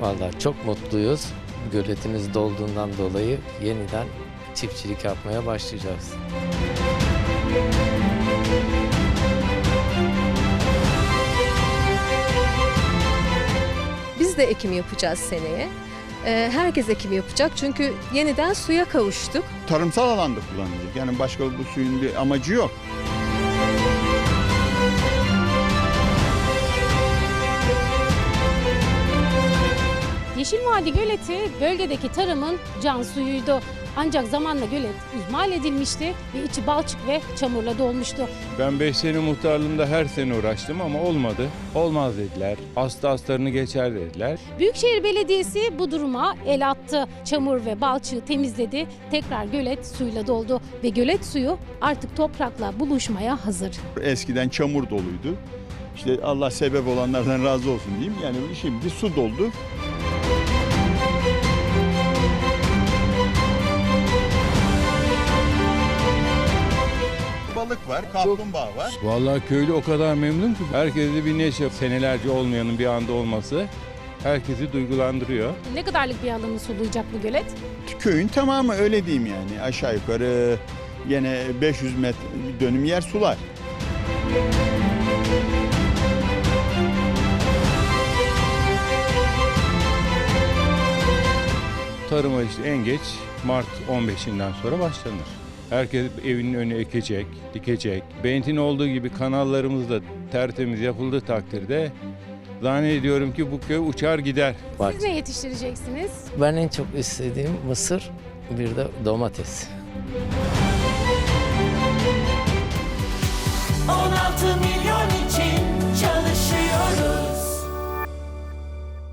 Vallahi çok mutluyuz. Göletimiz dolduğundan dolayı yeniden çiftçilik yapmaya başlayacağız. Biz de ekim yapacağız seneye. Herkes ekim yapacak çünkü yeniden suya kavuştuk. Tarımsal alanda kullanılacak. Yani başka bu suyun bir amacı yok. Yeşil Vadi Göleti bölgedeki tarımın can suyuydu. Ancak zamanla gölet ihmal edilmişti ve içi balçık ve çamurla dolmuştu. Ben 5 sene muhtarlığımda her sene uğraştım ama olmadı. Olmaz dediler. Hasta hastalarını geçer dediler. Büyükşehir Belediyesi bu duruma el attı. Çamur ve balçığı temizledi. Tekrar gölet suyla doldu ve gölet suyu artık toprakla buluşmaya hazır. Eskiden çamur doluydu. İşte Allah sebep olanlardan razı olsun diyeyim. Yani şimdi su doldu. Balık var, kaplumbağa var. Vallahi köylü o kadar memnun ki. Herkese bir neşe. Senelerce olmayanın bir anda olması herkesi duygulandırıyor. Ne kadarlık bir alanı sulayacak bu gölet? Köyün tamamı öyle diyeyim yani. Aşağı yukarı yine 500 metre dönüm yer sular. Tarıma işte en geç Mart 15'inden sonra başlanır. Herkes evinin önü ekecek, dikecek. Beynt'in olduğu gibi kanallarımız da tertemiz yapıldığı takdirde zannediyorum ki bu köy uçar gider. Siz ne yetiştireceksiniz? Ben en çok istediğim mısır, bir de domates. 16